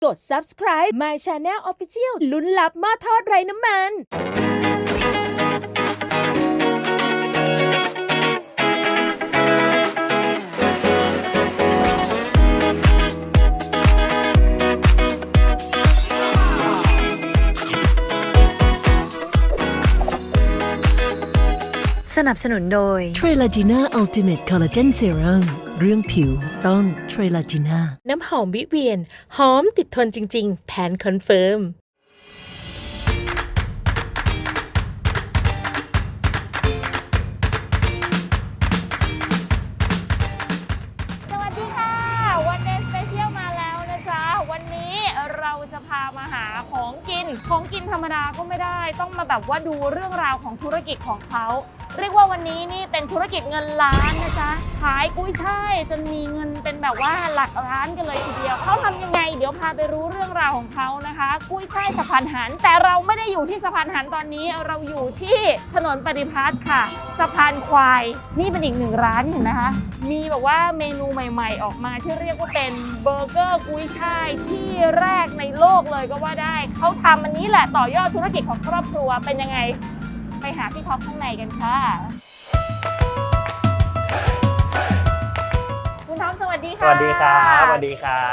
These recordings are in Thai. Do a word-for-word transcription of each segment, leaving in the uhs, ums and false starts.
กด ซับสไครบ์ My Channel Official ลุ้นลับหม้อทอดไร้น้ำมันสนับสนุนโดยเทรลาจีน่าอัลติเมทคอลลาเจนเซรั่มเรื่องผิวต้องเทรลาจีน่าน้ำหอมวิเวียน หอมติดทนจริงๆ แผนคอนเฟิร์มสวัสดีค่ะ วันเดย์สเปเชียลมาแล้วนะจ๊ะ วันนี้เราจะพามาหาของกิน ของกินธรรมดาก็ไม่ได้ ต้องมาแบบว่าดูเรื่องราวของธุรกิจของเขา เรียกว่าวันนี้นี่เป็นธุรกิจเงินล้านนะจ๊ะ ขายกุ้ยช่ายจนมีเงินเป็นแบบว่าหลักล้านกันเลยทีเดียว เขาทำยังไง เดี๋ยวพาไปรู้เรื่องราวของเขานะคะ กุ้ยช่ายสะพานหัน แต่เราไม่ได้อยู่ที่สะพานหันตอนนี้ เราอยู่ที่ถนนปฏิพัฒน์ค่ะสะพานควาย นี่เป็นอีกหนึ่งร้านเห็นไหมคะ มีแบบว่าเมนูใหม่ๆออกมาที่เรียกว่าเป็นเบอร์เกอร์กุ้ยช่ายที่แรกในโลกเลยก็ว่าได้ เขาทำอันนี้แหละต่อยอดธุรกิจของครอบครัวเป็นยังไง ไปหาพี่ท็อปข้างในกันค่ะคุณท็อปสวัสดีค่ะสวัสดีครับสวัสดีครับ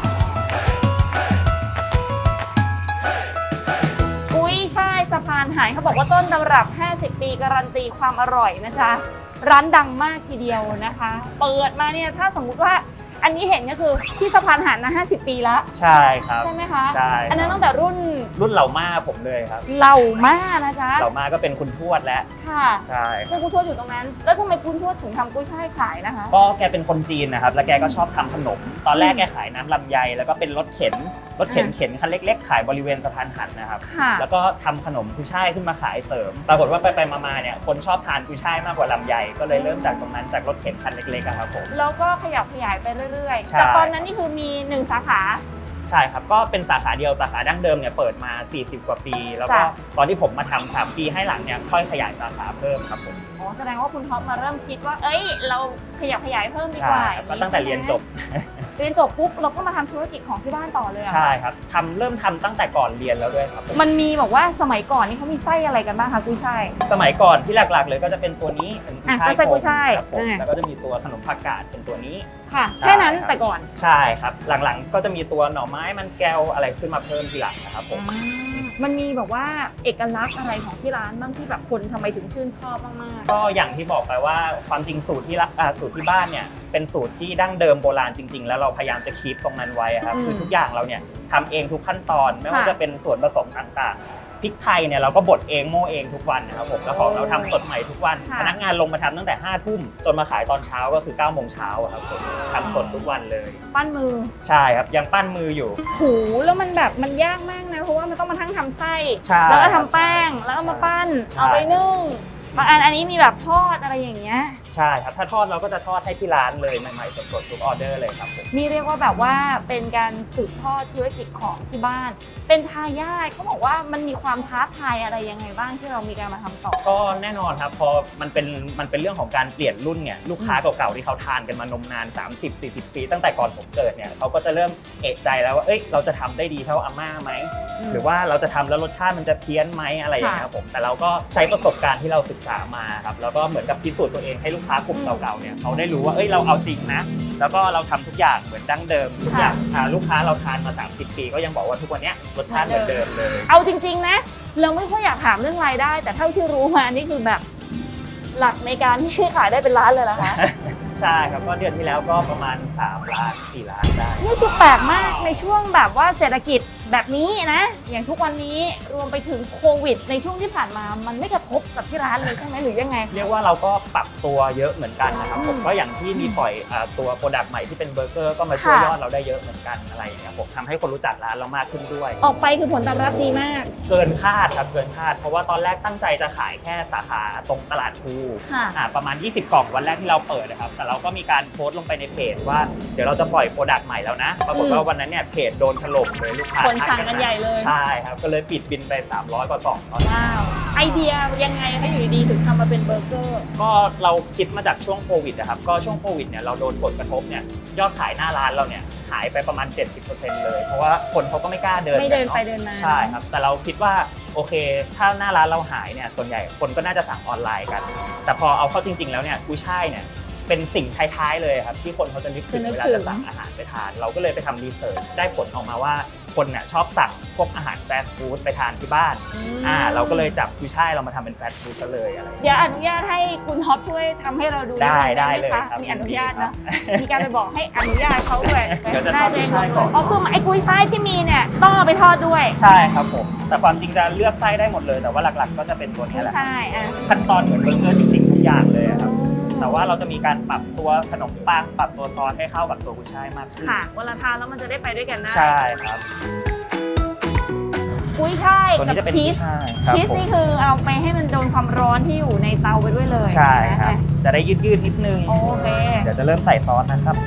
กุ้ยช่ายสะพานหายเขาบอกว่าต้นตำรับห้าสิบปีการันตีความอร่อยนะจ๊ะร้านดังมากทีเดียวนะคะ เปิดมาเนี่ยถ้าสมมุติว่าอันนี้เห็นก็คือที่สะพานหันนะห้าสิบปีแล้วใช่ครับใช่ไหมคะใช่อันนั้นตั้งแต่รุ่นรุ่นเหล่าม่าผมเลยครับเหล่าม่านะจ๊ะเหล่าม่าก็เป็นคุณทวดแล้วค่ะใช่ซึ่งคุณทวดอยู่ตรงนั้น แล้วทำไมคุณทวดถึงทำกุ้ยช่ายขายนะคะก็แกเป็นคนจีนนะครับแล้วแกก็ชอบทำขนมตอนแรกแกขายน้ำลำไยแล้วก็เป็นรถเข็นรถเข็นเข็นคันเล็กๆขายบริเวณสะพานหันนะครับแล้วก็ทำขนมกุ้ยช่ายขึ้นมาขายเสริมปรากฏว่าไปๆมาๆเนี่ยคนชอบทานกุ้ยช่ายมากกว่าลำไยก็เลยเริ่มจากตรงนั้นจากรถเข็นคันเล็กๆครับผมแล้วก็ขยับขยายไปเรื่อยๆจากตอนนั้นนี่คือมีหนึ่งสาขาใช่ครับก็เป็นสาขาเดียวสาขาดั้งเดิมเนี่ยเปิดมาสี่สิบกว่าปีแล้วก็ตอนที่ผมมาทำสามปีให้หลังเนี่ยค่อยขยายสาขาเพิ่มครับผมอ๋อแสดงว่าคุณท็อปมาเริ่มคิดว่าเอ้ยเราขยับขยายเพิ่มดีกว่าก็ตั้งแต่เรียนจบเรียนจบปุ๊บเราก็มาทำธุรกิจของที่บ้านต่อเลยอ่ะใช่ครับทำเริ่มทำตั้งแต่ก่อนเรียนแล้วด้วยครับมันมีบอกว่าสมัยก่อนนี่เขามีไส้อะไรกันบ้างคะกุ้ยช่ายสมัยก่อนที่หลักๆเลยก็จะเป็นตัวนี้เป็นกุ้ยช่ายไส้กุ้ยช่ายแล้วก็จะมีตัวขนมผักกาดเป็นตัวนี้ค่ะแค่นั้นแต่ก่อนใช่ครับหลังๆก็จะมีตัวหน่อไม้มันแก้วอะไรขึ้นมาเพิ่มทีหลังนะครับผมมันมีแบบว่าเอกลักษณ์อะไรของที่ร้านบ้างที่แบบคนทำไมถึงชื่นชอบมากๆก็อย่างที่บอกไปว่าความจริงสูตรที่สูตรที่บ้านเนี่ยเป็นสูตรที่ดั้งเดิมโบราณจริงๆแล้วเราพยายามจะคีปตรงนั้นไว้ครับคือทุกอย่างเราเนี่ยทำเองทุกขั้นตอนไม่ว่าจะเป็นส่วนผสมต่างๆพริกไทยเนี่ยเราก็บดเองโม่เองทุกวันนะครับผมแล้วของเราทำสดใหม่ทุกวันพนักงานลงมาทำตั้งแต่ห้าทุ่มจนมาขายตอนเช้าก็คือเก้าโมงเช้าครับผมทำสดทุกวันเลยปั้นมือใช่ครับยังปั้นมืออยู่หูแล้วมันแบบมันยากมากนะเพราะว่ามันต้องมาทั้งทำไส้แล้วก็ทำแป้งแล้วก็มาปั้นเอาไปนึ่งบางอันอันนี้มีแบบทอดอะไรอย่างเงี้ยใช่ครับถ้าทอดเราก็จะทอดให้ที่ร้านเลยใหม่ๆสดๆทุกออเดอร์เลยครับผมนี่เรียกว่าแบบว่าเป็นการสืบทอดธุรกิจของที่บ้านเป็นทายาทเขาบอกว่ามันมีความท้าทายอะไรยังไงบ้างที่เรามีการมาทำต่อก็แน่นอนครับพอมันเป็นมันเป็นเรื่องของการเปลี่ยนรุ่นเนี่ยลูกค้าเก่าๆที่เขาทานกันมานมนานสามสิบ สี่สิบปีตั้งแต่ก่อนผมเกิดเนี่ยเขาก็จะเริ่มเอะใจแล้วว่าเอ้ยเราจะทำได้ดีเท่าอาม่าไหมหรือว่าเราจะทำแล้วรสชาติมันจะเพี้ยนไหมอะไรอย่างเงี้ยครับผมแต่เราก็ใช้ประสบการณ์ที่เราศึกษามาครับแล้วก็เหมือนกับพิสูจน์ตัวเองให้ลูกค้ากลุ่มเก่าๆเนี่ยเขาได้รู้ว่าเอ้ยเราเอาจริงนะแล้วก็เราทำทุกอย่างเหมือนดั้งเดิมทุกอย่างลูกค้าเราทานมาสามสิบปีก็ยังบอกว่าทุกวันนี้รสชาติเหมือนเดิมเลยเอาจริงๆนะเราไม่ค่อยอยากถามเรื่องรายได้แต่เท่าที่รู้มานี่คือแบบหลักในการที่ขายได้เป็นล้านเลยเหรอคะใช่ครับก็เดือนที่แล้วก็ประมาณสามล้านสี่ล้านได้นี่คือแปลกมากในช่วงแบบว่าเศรษฐกิจแบบนี้นะอย่างทุกวันนี้รวมไปถึงโควิดในช่วงที่ผ่านมามันไม่กระทบกับที่ร้านเลยใช่ไหมหรือยังไงเรียกว่าเราก็ปรับตัวเยอะเหมือนกันนะครับผมก็อย่างที่มีปล่อยตัวโปรดักต์ใหม่ที่เป็นเบอร์เกอร์ก็มาช่วยยอดเราได้เยอะเหมือนกันอะไรอย่างเงี้ยผมทำให้คนรู้จักร้านเรามากขึ้นด้วยออกไปคือผลตอบรับดีมากเกินคาดครับเกินคาดเพราะว่าตอนแรกตั้งใจจะขายแค่สาขาตรงตลาดภูประมาณยี่สิบกล่องวันแรกที่เราเปิดนะครับแต่เราก็มีการโพสต์ลงไปในเพจว่าเดี๋ยวเราจะปล่อยโปรดักต์ใหม่แล้วนะปรากฏว่าวันนั้นเนี่ยเพจโดนถล่มเลยลูกค้าคนสั่งกันใหญ่เลยใช่ครับก็เลยปิดบินไปสามร้อยกว่ากล่องตอนว้าวไอเดียยังไงคะอยู่ดีๆถึงทำมาเป็นเบอร์เกอร์ก็เราคิดมาจากช่วงโควิดนะครับก็ช่วงโควิดเนี่ยเราโดนผลกระทบเนี่ยยอดขายหน้าร้านเราเนี่ยหายไปประมาณ เจ็ดสิบเปอร์เซ็นต์ เลย เพราะว่าคนเขาก็ไม่กล้าเดินไม่เดินกัไปอะเดินมาใช่ครับแต่เราคิดว่าโอเคถ้าหน้าร้านเราหายเนี่ยส่วนใหญ่คนก็น่าจะสั่งออนไลน์กัน แต่พอเอาเข้าจริง ๆ แล้วเนี่ยกุ้ยช่ายเนี่ยเป็นสิ่งท้ายๆเลยครับที่คนเขาจะนึกถึงเวลาจะสั่งอาหารไปทานเราก็เลยไปทำรีเสิร์ชได้ผลออกมาว่าคนเนี่ยชอบสั่งพวกอาหารฟาสต์ฟู้ดไปทานที่บ้านอ่าเราก็เลยจับกุ้ยช่ายเรามาทำเป็นฟาสต์ฟู้ดซะเลยอะไรเดี๋ยวอนุญาตให้คุณท็อปช่วยทำให้เราดูได้ได้หมเลยคะครับมีอนุญาตยินดีครับเนาะมีการไปบอกให้อนุญาตเขาด้วยเดี๋ยวจะทอดกุ้ยช่ายก่อนอ๋อคือไอ้กุ้ยช่ายที่มีเนี่ยต้องเอาไปทอดด้วยใช่ครับผมแต่ความจริงจะเลือกไส้ได้หมดเลยแต่ว่าหลักๆ ก็จะเป็นตัวนี้กุ้ยแหละช่ายอ่ะขั้นตอนเหมือนเบอร์เกอร์จริงๆทุกอย่างเลยครับแต่ว่าเราจะมีการปรับตัวขนมปังปรับตัวซอสให้เข้ากับตัวกุ้ยช่ายมากขึ้นค่ะเวลาทานแล้วมันจะได้ไปด้วยกันได้ใช่ครับกุ้ยช่ายตัวนี้กับจะเป็นชีสกุ้ยช่ายครับชีสนี่คือเอาไปให้มันโดนความร้อนที่อยู่ในเตาไปด้วยเลยใช่ครับนะะจะได้ยืดๆนิดนึงโอเคเดี๋ยวจะเริ่มใส่ซอสนะครับ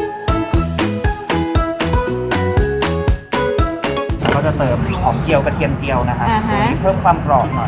ก็จะเติมหอมเจียวกระเทียมเจียวนะครับอ่าฮะตัวนี้เพิ่มความกรอบหน่อย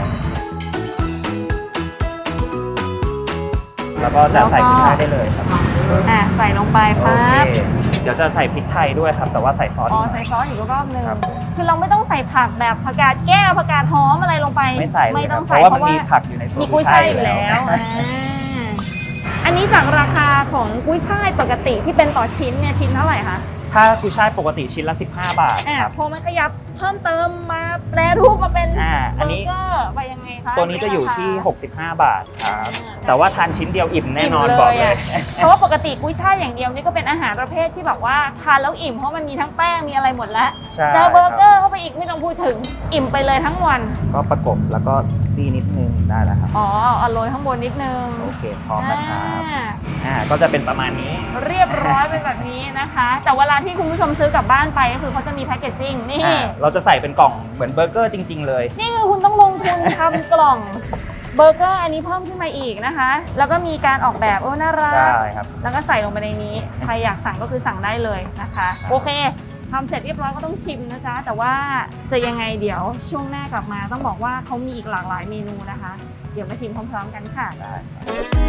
แล้วก็จะใส่กุ้ยช่ายได้เลยครับอ่ะใส่ลงไปโอปั๊เคบเดี๋ยวจะใส่พริกไทยด้วยครับ แต่ว่าใส่ซอสอ๋ออีกหน่ใส่อยซอสอีกรอบนึงครับผมคือเราไม่ต้องใส่ผักแบบผักกาดแก้วผักกาดหอมอะไรลงไปไม่ใส่เลยไม่คต้รัอบ งเพใส่ราะว่ามันมีผักอยู่ในตัวมีกุ้ยช่ายอยู่แล้วอ่าอันนี้จากราคาของกุ้ยช่ายปกติที่เป็นต่อชิ้นเนี่ยชิ้นเท่าไหร่คะถ้ากุ้ยช่ายปกติชิ้นละสิบห้าบาทอ่ะครับพอมันขยับเพิ่มเติมมาแปรรูปมาเป็นอ่าอัเบนอนี้ร์เกอร์ไปยังไงคะตัวนี้จะอยู่ที่ราคาหกสิบห้าบาทครับอ่าแต่ว่าทานชิ้นเดียวอิ่มแน่นอนมบอกเลยะเพราะว่าปกติกุ้ยช่ายอย่างเดียวนี่ก็เป็นอาหารประเภทที่แบบว่าทานแล้วอิ่มเพราะมันมีทั้งแป้งมีอะไรหมดแล้วใช่เจอเบอร์เกอคร์เข้าไปอีกไม่ต้องพูดถึงอิ่มไปเลยทั้งวันก็ประกบแล้วก็ตีนิดนึงได้แล้วครับอ๋อเอาโรยข้างบนนิดนึงโอเคพร้อมนะครับอ่าอ่าก็จะเป็นประมาณนี้เรียบร้อยเป็นแบบนี้นะคะ แต่เวลาที่คุณผู้ชมซื้อกลับบ้านไปก็คือเขาจะมีแพคเกจจิ้งนี่อ่าเราจะใส่เป็นกล่องเหมือนเบอร์เกอร์จริง ๆ เลยนี่คือคุณต้องลงทุนทำกล่องเบอร์เกอร์อันนี้เพิ่มขึ้นมาอีกนะคะ แล้วก็มีการออกแบบโอ้น่ารักใช่ครับแล้วก็ใส่ลงไปในนี้ ใครอยากสั่งก็คือสั่งได้เลยนะคะ โอเคทำเสร็จเรียบร้อยก็ต้องชิมนะจ๊ะ แต่ว่าจะยังไงเดี๋ยวช่วงหน้ากลับมาต้องบอกว่าเขามีอีกหลากหลายเมนูนะคะ เดี๋ยวมาชิมพร้อมๆกันค่ะได้ครับ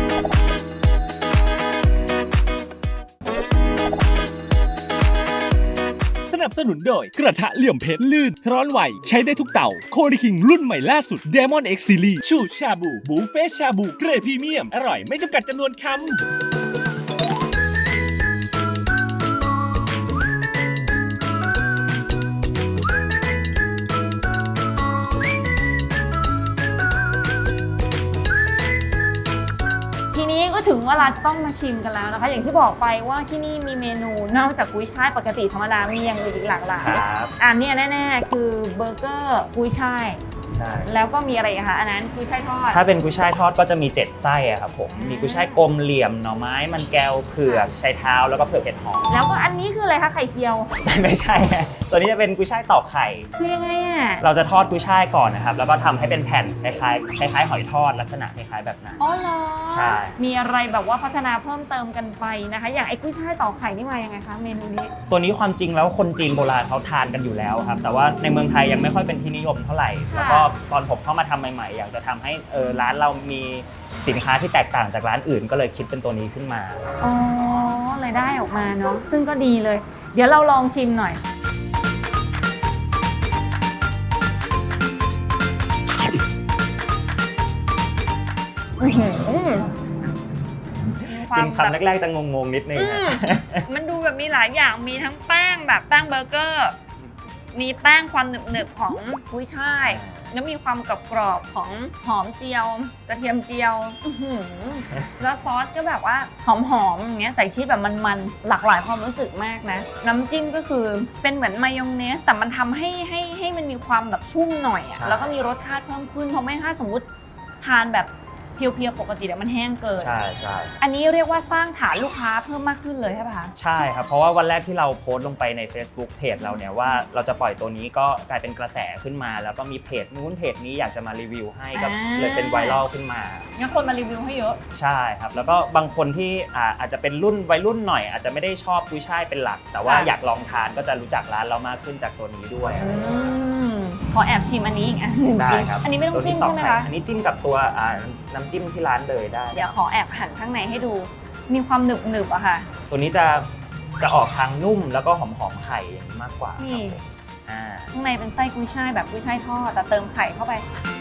สนับสนุนโดยกระทะเหลี่ยมเพชรลื่น ร้อนไหว ใช้ได้ทุกเต่าโคดิคิงรุ่นใหม่ล่าสุด Demon X Series ชูชาบูบูเฟ่ชาบูเกรดพรีเมียม อร่อยไม่จำกัดจำนวนคำทีนี้ก็ถึงเวลาจะต้องมาชิมกันแล้วนะคะ อย่างที่บอกไปว่าที่นี่มีเมนูนอกจากกุ้ยช่ายปกติธรรมดามีอย่างอื่นอีกหลากหลายครับอันเนี้ยแน่ๆคือเบอร์เกอร์กุ้ยช่ายใช่แล้วก็มีอะไรอีกคะอันนั้นกุ้ยช่ายทอดถ้าเป็นกุ้ยช่ายทอดก็จะมีเจ็ดไส้อะครับผมอ่ามีมีกุ้ยช่ายกลมเหลี่ยมหน่อไม้มันแก้วเผือกไชเท้าแล้วก็เผือกเห็ดหอมแล้วก็อันนี้คืออะไรคะไข่เจียวไม่ใช่ฮะตัวนี้จะเป็นกุ้ยช่ายตอกไข่คือยังไงอ่ะเราจะทอดกุ้ยช่ายก่อนนะครับ แล้วก็ทำให้เป็นแผ่นคล้ายๆคล้ายๆหอยทอดลักษณะคล้ายๆแบบนั้นอ๋อเหรอใช่มีอะไรแบบว่าพัฒนาเพิ่มเติมกันไปนะคะ อย่างไอ้กุ้ยช่ายต่อไข่นี่มายังไงคะเมนูนี้ตัวนี้ความจริงแล้วคนจีนโบราณเขาทานกันอยู่แล้วครับ แต่ว่าในเมืองไทยยังไม่ค่อยเป็นที่นิยมเท่าไหร่ค่ะแล้วก็ตอนผมเข้ามาทำใหม่ๆ อยากจะทำให้เออร้านเรามีสินค้าที่แตกต่างจากร้านอื่น ก็เลยคิดเป็นตัวนี้ขึ้นมาอ๋อเลยได้ออกมาเนาะซึ่งก็ดีเลย เดี๋ยวเราลองชิมหน่อยอื้อหือมีควากิมนแบบคำแรกๆจะงงๆนิดนึงอืฮะมมันดูแบบมีหลายอย่าง มีทั้งแป้งแบบแป้งเบอร์เกอร์ มีแป้งความหนึบๆของกุ้ยช่าย แล้วมีความกรอบๆของหอมเจียว กระเทียมเจียวอื้อหือแล้วซอสก็แบบว่าหอมๆอย่างเงี้ยใส่ชีสแบบมันๆ หลากหลายความรู้สึกมากนะ น้ำจิ้มก็คือเป็นเหมือนมายองเนส แต่มันทำให้ให้ให้มันมีความแบบชุ่มหน่อยอะใช่แล้วก็มีรสชาติเพิ่มขึ้น เพราะไม่ถ้าสมมติทานแบบเพียวๆปกติเดี๋ยวมันแห้งเกินใช่ใช่อันนี้เรียกว่าสร้างฐานลูกค้าเพิ่มมากขึ้นเลยใช่ปะคะใช่ครับ เพราะว่าวันแรกที่เราโพสต์ลงไปใน Facebook เพจเราเนี่ยว่าเราจะปล่อยตัวนี้ก็กลายเป็นกระแสขึ้นมา แล้วก็มีเพจนู้นเพจนี้อยากจะมารีวิวให้ก็อ่าเลยเป็นไวรัลขึ้นมางั้นคนมารีวิวให้เยอะใช่ครับ แล้วก็บางคนที่อ่าอาจจะเป็นรุ่นวัยรุ่นหน่อย อาจจะไม่ได้ชอบกุ้ยช่ายเป็นหลัก แต่ว่าค่ะอยากลองทานก็จะรู้จักร้านเรามากขึ้นจากตัวนี้ด้วยอืมขอแอบชิมอันนี้อีกอันหนึ่งได้สิครับอันนี้ไม่ต้องจิ้มตัวใช่ไหมต่อคะปอันนี้จิ้มกับตัวอ่าน้ำจิ้มที่ร้านเลยได้เดี๋ยวขอแอบหั่นข้างในให้ดู มีความหนึบหนึบๆอะค่ะตัวนี้จะจะออกทางนุ่มแล้วก็หอมๆไข่อย่างนี้มากกว่านี่อ่าข้างในเป็นไส้กุ้ยช่ายแบบกุ้ยช่ายทอดแต่เติมไข่เข้าไป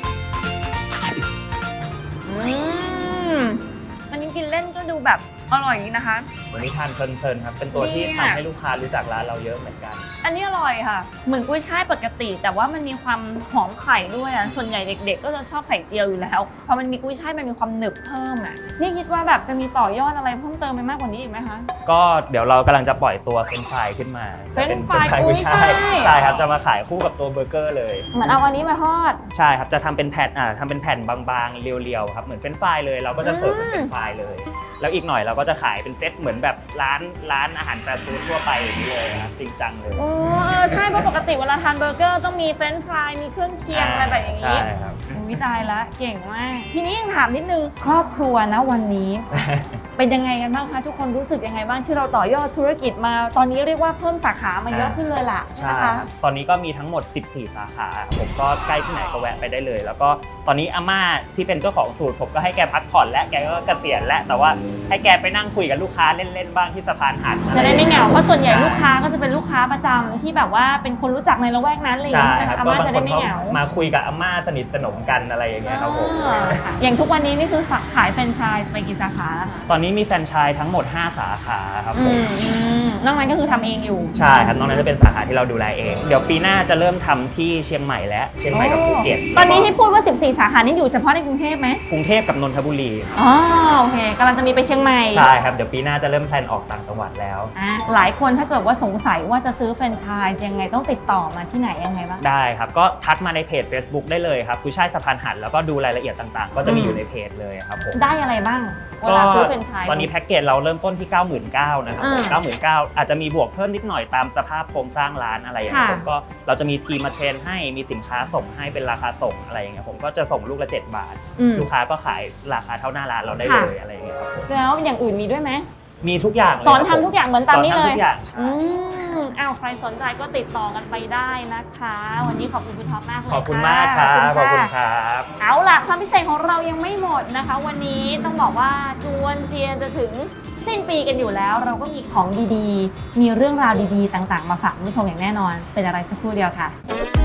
อืมอันนี้กินเล่นก็ดูแบบอร่อยนะคะวันนี้ทานเพลินๆครับเป็นตัวที่ดีทำอะให้ลูกค้ารู้จักร้านเราเยอะเหมือนกันอันนี้อร่อยค่ะ เหมือนกุ้ยช่ายปกติ แต่ว่ามันมีความหอมไข่ด้วยอ่ะส่วนใหญ่เด็กๆ ก็จะชอบไข่เจียวอยู่แล้วพอมันมีกุ้ยช่ายมันมีความหนึบเพิ่มอ่ะนี่คิดว่าแบบจะมีต่อยอดอะไรเพิ่มเติมไปมากกว่านี้อีกไหมคะก็เดี๋ยวเรากำลังจะปล่อยตัวเฟรนช์ฟรายขึ้นมาจะเป็นเฟรนช์ฟรายกุ้ยช่ายกุ้ยช่ายใช่ครับจะมาขายคู่กับตัวเบอร์เกอร์เลยเหมือนเอาอันนี้มาทอดใช่ครับจะทำเป็นแผ่นอ่าทำเป็นแผ่นบางๆเรียวๆครับเหมือนเฟรนช์ฟรายเลยเราก็จะเสิร์ฟเป็นเฟรนช์ฟรายเลยแล้วอีกหน่อยเราก็จะขายเป็นเซตเหมือนแบบร้านร้านอาหารแฟร์ฟู้ดทั่วไปอย่างนี้เลยครับจริงจังเลยโอ้เออใช่เพราะปกติเวลาทานเบอร์เกอร์ต้องมีเฟรนช์ฟรายมีเครื่องเคียงอะไรแบบอย่างนี้ใช่ครับอุ้ยตายละเก่งมาก ทีนี้ยังถามนิดนึงครอบครัวนะวันนี้ เป็นยังไงกันบ้างคะทุกคนรู้สึกยังไงบ้างที่เราต่อยอดธุรกิจมาตอนนี้เรียกว่าเพิ่มสาขามาเยอะขึ้นเลยล่ะใช่ไหมใช่คะตอนนี้ก็มีทั้งหมดสิบสี่สาขาผมก็ใกล้ที่ไหนก็แวะไปได้เลย แล้วก็ตอนนี้อาม่าที่เป็นเจ้าของสูตรผมก็ให้แกพักผ่อนและแกก็เกษียณแล้วแต่ว่าให้แกไปนั่งคุยกับลูกค้าเล่นๆบ้างที่สะพานหันจะได้ไม่เหงาเพราะส่วนใหญ่ลูกค้าก็จะเป็นลูกค้าประจำที่แบบว่าเป็นคนรู้จักในละแวกนั้นเลยใช่ใช่ไหมครัคะบอาก็ม่าบางจะคได้นไม่ก็เหงามาคุยกับอาม่าสนิทสนมกันอะไรอย่างเงี้ยครับผมอ่าค่ะอย่างทุกวันนี้นี่คือฝากขายแฟรนไชส์ไปกี่สาขาแล้วคะตอนนี้มีแฟรนไชส์ทั้งหมดห้าสาขาครับอืผมมอืมนอกนั้นก็คือทำเองอยู่ใช่ครับนอกนั้นจะเป็นสาขาที่เราดูแลเอง เดี๋ยวปีหน้าจะเริ่มทำที่เชียงใหม่แล้วเชียงใหม่กับภูเก็ตตอนนี้ที่พูดว่าสิบสี่สาขานี่อยู่เฉพาะในกรุงเทพไหมกรุงเทพกับนนทบุรีอ๋อโอเคกำลังจะมีไปเชียงใหม่ใช่ครับเดี๋ยวปีหน้าจะเริ่มแพลนออกต่างจังหวัดแล้วอ่ะหลายคนถ้าเกิดว่าสงสัยว่าจะซื้อแฟรนไชส์ยังไงต้องติดต่อมาที่ไหนยังไงบ้างได้ครับก็ทักมาในเพจ Facebook ได้เลยครับกุ้ยช่ายสะพานหันแล้วก็ดูรายละเอียดต่างๆ ก็จะมีอยู่ในเพจเลยครับผมได้อะไรบ้างเวลาซื้อแฟรนไชส์ตอนนี้แพ็กเกจเราเริ่มต้นที่ เก้าหมื่นเก้าพัน นะครับอ่าเก้าหมื่นเก้าพัน อาจจะมีบวกเพิ่มนิดหน่อยตามสภาพโครงสร้างร้านอะไรอย่างเงี้ยค่ะผมก็เราจะมีทีมมาเทรนให้มีสินค้าส่งให้เป็นราคาส่งอะไรอย่างเงี้ยผมก็จะส่งลูกละเจ็ดบาทอืมลูกค้าก็ขายราคาเท่าหน้าร้านเราได้ค่ะเลยอะไรอย่างเงี้ยครับผมแล้วอย่างอื่นมีด้วยไหมมีทุกอย่างเลยสอนครับทำทุกอย่างเหมือนตามนี้เลยสอทำทุกอย่างใช่อืมอ้าวใครสนใจก็ติดต่อกันไปได้นะคะ วันนี้ขอบคุณคุณท็อปมากเลยขอบคุณะมากครับขขออบบคุคุณณคค่ะรับเอาล่ะความพิเศษของเรายังไม่หมดนะคะ วันนี้ต้องบอกว่าจวนเจียนจะถึงสิ้นปีกันอยู่แล้ว เราก็มีของดีๆ มีเรื่องราวดีๆ ต่างๆ มาฝากคุณผู้ชมอย่างแน่นอน เป็นอะไรสักครู่เดียวค่ะ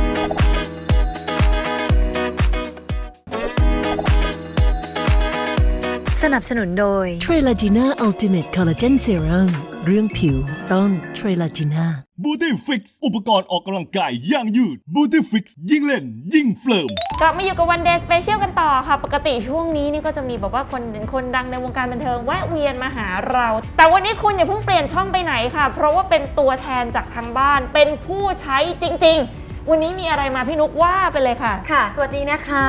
สนับสนุนโดยเทรลาจีน่าอัลติเมทคอลลาเจนเซรั่มเรื่องผิวต้องเทรลาจีน่าบูตี้ฟิกซ์อุปกรณ์ออกกำลังกายอย่างยืดบูตี้ฟิกซ์ยิ่งเล่น ยิ่งเฟิร์มกลับมาอยู่กับวันเดย์สเปเชียลกันต่อค่ะ ปกติช่วงนี้นี่ก็จะมีแบบว่าคนคนดังในวงการบันเทิงแวะเวียนมาหาเรา แต่วันนี้คุณอย่าเพิ่งเปลี่ยนช่องไปไหนค่ะ เพราะว่าเป็นตัวแทนจากทางบ้าน เป็นผู้ใช้จริงๆ วันนี้มีอะไรมาพี่นุกว่าไปเลยค่ะค่ะ สวัสดีนะคะ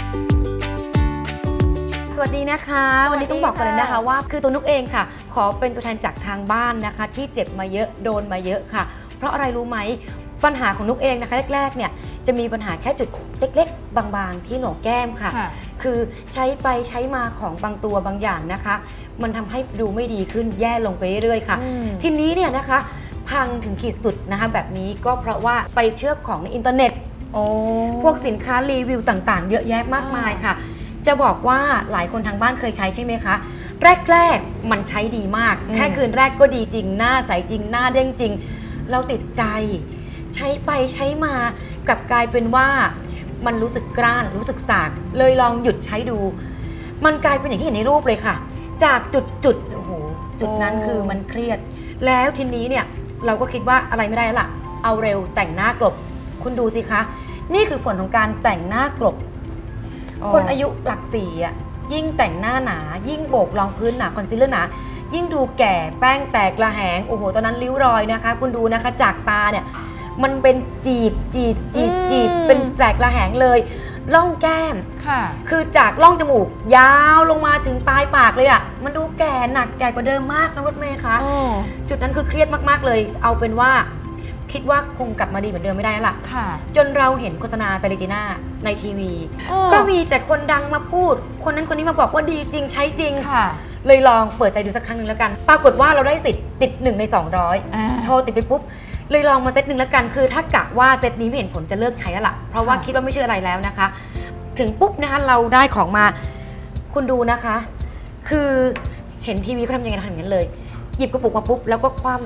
สวัสดีนะคะสวัสดีวันนี้ต้องบอกกันเลยนะคะค่ะว่าคือตัวนุกเองค่ะ ขอเป็นตัวแทนจากทางบ้านนะคะ ที่เจ็บมาเยอะโดนมาเยอะค่ะ เพราะอะไรรู้ไหมปัญหาของนุกเองนะคะแรกๆเนี่ยจะมีปัญหาแค่จุดเล็กๆ บางๆ ที่โหนกแก้มค่ะค่ะคือใช้ไปใช้มาของบางตัวบางอย่างนะคะ มันทำให้ดูไม่ดีขึ้นแย่ลงไปเรื่อยๆค่ะอืมทีนี้เนี่ยนะคะ พังถึงขีดสุดนะคะแบบนี้ก็เพราะว่าไปเชื่อของในอินเทอร์เน็ตโอ้พวกสินค้ารีวิวต่างๆ เยอะแยะมากมายค่ะ จะบอกว่าหลายคนทางบ้านเคยใช้ใช่ไหมคะ แรกๆมันใช้ดีมากอืมแค่คืนแรกก็ดีจริง หน้าใสจริง หน้าเด้งจริง เราติดใจ ใช้ไปใช้มากลับกลายเป็นว่ามันรู้สึกกร้านรู้สึกสาก เลยลองหยุดใช้ดู มันกลายเป็นอย่างที่เห็นในรูปเลยค่ะ จากจุดจุดๆโอ้โหจุดนั้นคือมันเครียด แล้วทีนี้เนี่ยเราก็คิดว่าอะไรไม่ได้แล้วล่ะ เอาเร็วแต่งหน้ากลบ คุณดูสิคะ นี่คือผลของการแต่งหน้ากลบ คนอายุหลักสี่อ่ะยิ่งแต่งหน้าหนา ยิ่งโบกรองพื้นหนาคอนซีลเลอร์หนา ยิ่งดูแก่แป้งแตกระแหงโอ้โหตอนนั้นริ้วรอยนะคะ คุณดูนะคะจากตาเนี่ยมันเป็นจีบจีบจีบจีบอืมเป็นแตกระแหงเลยร่องแก้มค่ะคือจากร่องจมูกยาวลงมาถึงปลายปากเลยอ่ะมันดูแก่หนักแก่กว่าเดิมมากนะรถเมย์คะโอ้จุดนั้นคือเครียดมากๆเลย เอาเป็นว่าคิดว่าคงกลับมาดีเหมือนเดิมไม่ได้แล้วล่ะค่ะจนเราเห็นโฆษณาเตลิจีน่าในทีวีโอ้ก็มีแต่คนดังมาพูด คนนั้นคนนี้มาบอกว่าดีจริงใช้จริงค่ะเลยลองเปิดใจดูสักครั้งหนึ่งแล้วกัน ปรากฏว่าเราได้สิทธิ์ติดหนึ่งในสองร้อยอ่าโทรติดไปปุ๊บ เลยลองมาเซตหนึ่งแล้วกัน คือถ้ากะว่าเซตนี้ไม่เห็นผลจะเลิกใช้แล้วล่ะ เพราะว่าค่ะคิดว่าไม่เชื่ออะไรแล้วนะคะ ถึงปุ๊บนะคะเราได้ของมา คุณดูนะคะ คือเห็นทีวีเขาทำยังไงทำอย่างนั้นเลย หยิบกระปุกมาปุ๊บแล้วก็คว่ำ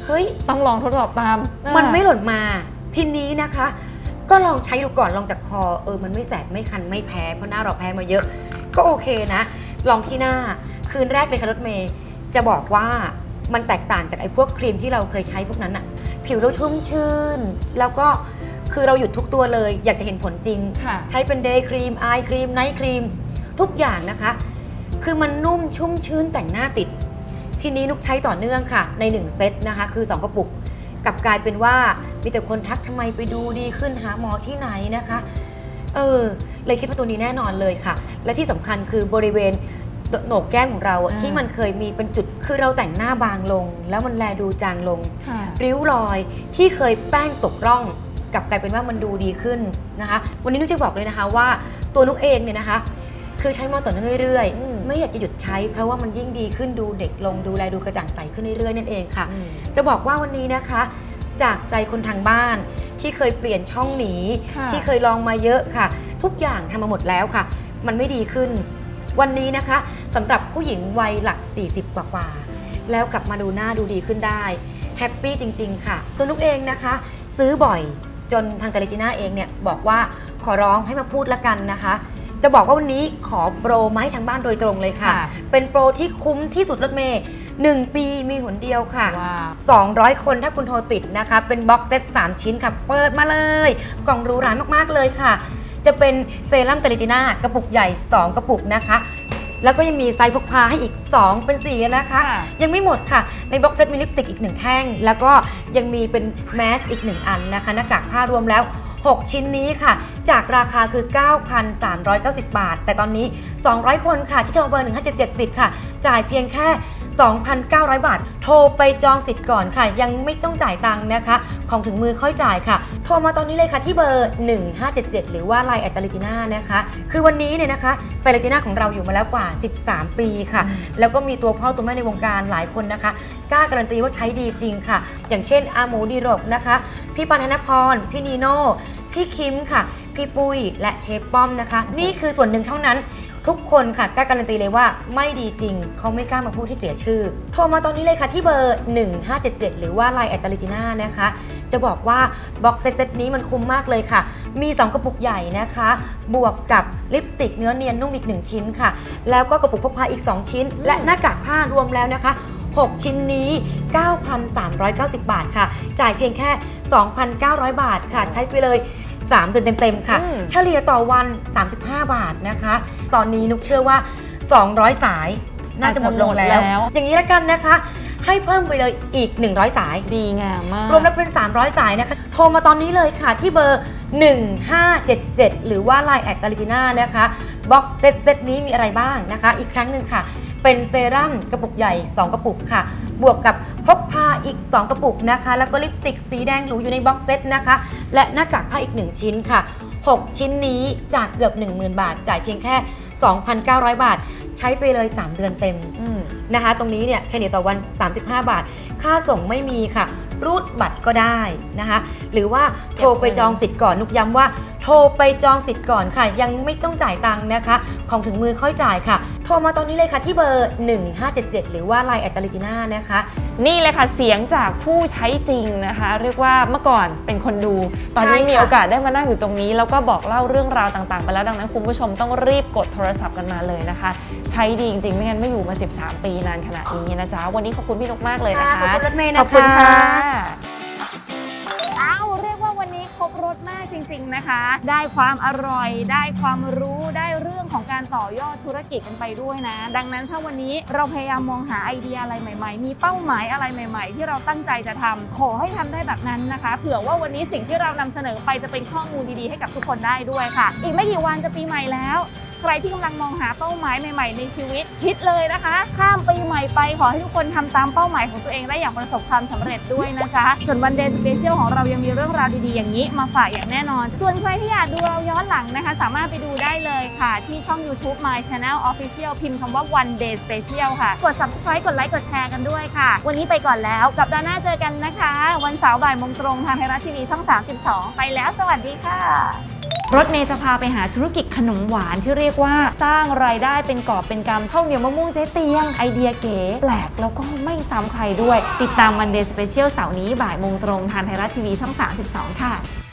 เฮ้ยต้องลองทดสอบตามมันไม่หล่นมาทีนี้นะคะ ก็ลองใช้ดูก่อนลองจากคอเออมันไม่แสบไม่คันไม่แพ้เพราะหน้าเราแพ้มาเยอะก็โอเคนะ ลองที่หน้าคืนแรกเลยค่ะรถเมย์จะบอกว่ามันแตกต่างจากไอ้พวกครีมที่เราเคยใช้พวกนั้นอะผิวเราชุ่มชื่นแล้วก็คือเราหยุดทุกตัวเลยอยากจะเห็นผลจริงค่ะใช้เป็นเดย์ครีมไอครีมไนท์ครีมทุกอย่างนะคะ คือมันนุ่มชุ่มชื้นแต่งหน้าติดทีนี้นุกใช้ต่อเนื่องค่ะในหนึ่งเซตนะคะคือสองกระปุกกลับกลายเป็นว่ามีแต่คนทักทำไมไปดูดีขึ้นหาหมอที่ไหนนะคะเออเลยคิดว่าตัวนี้แน่นอนเลยค่ะและที่สำคัญคือบริเวณโหนกแก้มของเราอะอ่าที่มันเคยมีเป็นจุดคือเราแต่งหน้าบางลง แล้วมันแลดูจางลงค่ะริ้วรอยที่เคยแป้งตกร่องกลับกลายเป็นว่ามันดูดีขึ้นนะคะวันนี้นุกจะบอกเลยนะคะว่าตัวนุกเองเนี่ยนะคะคือใช้มาต่อเนื่องเรื่อยอืมๆไม่อยากจะหยุดใช้เพราะว่ามันยิ่งดีขึ้นดูเด็กลงดูแลดูกระจ่างใสขึ้นเรื่อยๆนั่นเองค่ะอืมจะบอกว่าวันนี้นะคะจากใจคนทางบ้านที่เคยเปลี่ยนช่องหนีค่ะที่เคยลองมาเยอะค่ะ ทุกอย่างทำมาหมดแล้วค่ะ มันไม่ดีขึ้น วันนี้นะคะสำหรับผู้หญิงวัยหลัก สี่สิบ กว่าๆแล้วกลับมาดูหน้าดูดีขึ้นได้แฮปปี้จริงๆค่ะตัวนุกเองนะคะ ซื้อบ่อยจนทางเตเลจิน่าเองเนี่ยบอกว่าขอร้องให้มาพูดละกันนะคะ จะบอกว่าวันนี้ขอโปรมาให้ทางบ้านโดยตรงเลยค่ะค่ะเป็นโปรที่คุ้มที่สุดรถเมย์หนึ่งปีมีหนเดียวค่ะว้าวสองร้อยคนถ้าคุณโทรติดนะคะ เป็นบ็อกเซตสามชิ้นค่ะ เปิดมาเลย กล่องหรูหรามากๆเลยค่ะ จะเป็นเซรั่มเตลิจิน่ากระปุกใหญ่ สอง กระปุกนะคะ แล้วก็ยังมีไซส์พกพาให้อีก สอง เป็นสี่นะคะค่ะยังไม่หมดค่ะ ในบ็อกเซตมีลิปสติกอีกหนึ่งแท่ง แล้วก็ยังมีเป็นแมสอีกหนึ่งอันนะคะหน้ากากผ้ารวมแล้ว หก ชิ้นนี้ค่ะ จากราคาคือ เก้าพันสามร้อยเก้าสิบ บาท แต่ตอนนี้ สองร้อยคนค่ะที่โทรเบอร์หนึ่งห้าเจ็ดเจ็ดติดค่ะ จ่ายเพียงแค่ สองพันเก้าร้อย บาท โทรไปจองสิทธิ์ก่อนค่ะ ยังไม่ต้องจ่ายตังค์นะคะ ของถึงมือค่อยจ่ายค่ะ โทรมาตอนนี้เลยค่ะที่เบอร์หนึ่งห้าเจ็ดเจ็ดหรือว่า ไลน์ แอท เตเลจิน่านะคะ คือวันนี้เนี่ยนะคะเตเลจิน่าของเราอยู่มาแล้วกว่าสิบสามปีค่ะ แล้วก็มีตัวพ่อตัวแม่ในวงการหลายคนนะคะกล้าการันตีว่าใช้ดีจริงค่ะ อย่างเช่นอาหมูดีรกนะคะพี่ปานธนพรพี่นีโน่พี่คิมค่ะ พี่ปุ้ยและเชฟป้อมนะคะ นี่คือส่วนหนึ่งเท่านั้นทุกคนค่ะกล้าการันตีเลยว่าไม่ดีจริงเขาไม่กล้ามาพูดที่เสียชื่อ โทรมาตอนนี้เลยค่ะที่เบอร์หนึ่งห้าเจ็ดเจ็ดหรือว่า ไลน์ แอท เตเลจิน่านะคะ จะบอกว่าบ็อกเซตนี้มันคุ้มมากเลยค่ะ มี สอง กระปุกใหญ่นะคะ บวกกับลิปสติกเนื้อเนียนนุ่มอีกหนึ่งชิ้นค่ะ แล้วก็กระปุกพกพาอีกสองชิ้น และหน้ากากผ้ารวมแล้วนะคะหก ชิ้นนี้ เก้าพันสามร้อยเก้าสิบ บาทค่ะ จ่ายเพียงแค่ สองพันเก้าร้อย บาทค่ะ ใช้ไปเลยสามเดือนเต็มๆค่ะอืมเฉลี่ยต่อวันสามสิบห้า บาทนะคะ ตอนนี้นุกเชื่อว่า สองร้อย สายน่าจะหมดลงแล้วอาจจะหมดแล้วอย่างนี้ละกันนะคะ ให้เพิ่มไปเลยอีกหนึ่งร้อยสายดีงามมากรวมแล้วเป็น สามร้อย สายนะคะ โทรมาตอนนี้เลยค่ะที่เบอร์หนึ่งห้าเจ็ดเจ็ดหรือว่า ไลน์ แอท เตเลจิน่านะคะบ็อกเซตเซตนี้มีอะไรบ้างนะคะ อีกครั้งหนึ่งค่ะ เป็นเซรั่มกระปุกใหญ่ สอง กระปุกค่ะ บวกกับพกพาอีก สอง กระปุกนะคะ แล้วก็ลิปสติกสีแดงหรูอยู่ในบ็อกเซตนะคะ และหน้ากากผ้าอีก หนึ่ง ชิ้นค่ะ หก ชิ้นนี้จากเกือบ หนึ่งหมื่น บาท จ่ายเพียงแค่ สองพันเก้าร้อย บาท ใช้ไปเลย สาม เดือนเต็มอืมนะคะตรงนี้เนี่ยเฉลี่ยต่อวัน สามสิบห้า บาท ค่าส่งไม่มีค่ะ รูดบัตรก็ได้นะคะ หรือว่าโทรไปจองสิทธิ์ก่อนนุกย้ำว่าโทรไปจองสิทธิ์ก่อนค่ะ ยังไม่ต้องจ่ายตังค์นะคะ ของถึงมือค่อยจ่ายค่ะ โทรมาตอนนี้เลยค่ะที่เบอร์หนึ่งห้าเจ็ดเจ็ดหรือว่า ไลน์ แอท เตเลจิน่านะคะนี่เลยค่ะเสียงจากผู้ใช้จริงนะคะ เรียกว่าเมื่อก่อนเป็นคนดู ตอนนี้ใช่ค่ะมีโอกาสได้มานั่งอยู่ตรงนี้ แล้วก็บอกเล่าเรื่องราวต่างๆไปแล้วดังนั้นคุณผู้ชมต้องรีบกดโทรศัพท์กันมาเลยนะคะ ใช้ดีจริงๆ ไม่งั้นไม่อยู่มาสิบสามปีนานขนาดนี้นะจ๊ะวันนี้ขอบคุณพี่นกมากเลยนะคะขอบคุณรถเมย์ขนะคะอบคุณค่ะอ้าวเรียกว่าวันนี้ครบรสมากจริงๆนะคะ ได้ความอร่อย ได้ความรู้ได้เรื่องของการต่อยอดธุรกิจกันไปด้วยนะ ดังนั้นถ้าวันนี้เราพยายามมองหาไอเดียอะไรใหม่ๆ มีเป้าหมายอะไรใหม่ๆ ที่เราตั้งใจจะทำขอให้ทำได้แบบนั้นนะคะเผื่อว่าวันนี้สิ่งที่เรานำเสนอไปจะเป็นข้อมูลดีๆให้กับทุกคนได้ด้วยค่ะ อีกไม่กี่วันจะปีใหม่แล้ว ใครที่กำลังมองหาเป้าหมายใหม่ๆในชีวิตคิดเลยนะคะ ข้ามปีใหม่ไปขอให้ทุกคนทำตามเป้าหมายของตัวเองได้อย่างประสบความสำเร็จด้วยนะจ๊ะส่วนวันเดย์สเปเชียลของเรายังมีเรื่องราวดีๆอย่างนี้มาฝากอย่างแน่นอน ส่วนใครที่อยากดูเราย้อนหลังนะคะ สามารถไปดูได้เลยค่ะ ที่ช่อง YouTube My Channel Official พิมพ์คำว่า One Day Special ค่ะกด Subscribe กดไลค์กดแชร์กันด้วยค่ะวันนี้ไปก่อนแล้วสัปดาห์หน้าเจอกันนะคะวันเสาร์บ่ายโมงตรงทางไทยรัฐทีวีช่องสามสิบสองไปแล้วสวัสดีค่ะรถเมย์จะพาไปหาธุรกิจขนมหวานที่เรียกว่าสร้างรายได้เป็นกอบเป็นกำข้าวเหนียวมะม่วงเจ๊เตียงไอเดียเก๋แปลกแล้วก็ไม่ซ้ำใครด้วยติดตามวันเดย์สเปเชียลเสาร์นี้บ่ายโมงตรงทางไทยรัฐทีวีช่องสามสิบสองค่ะ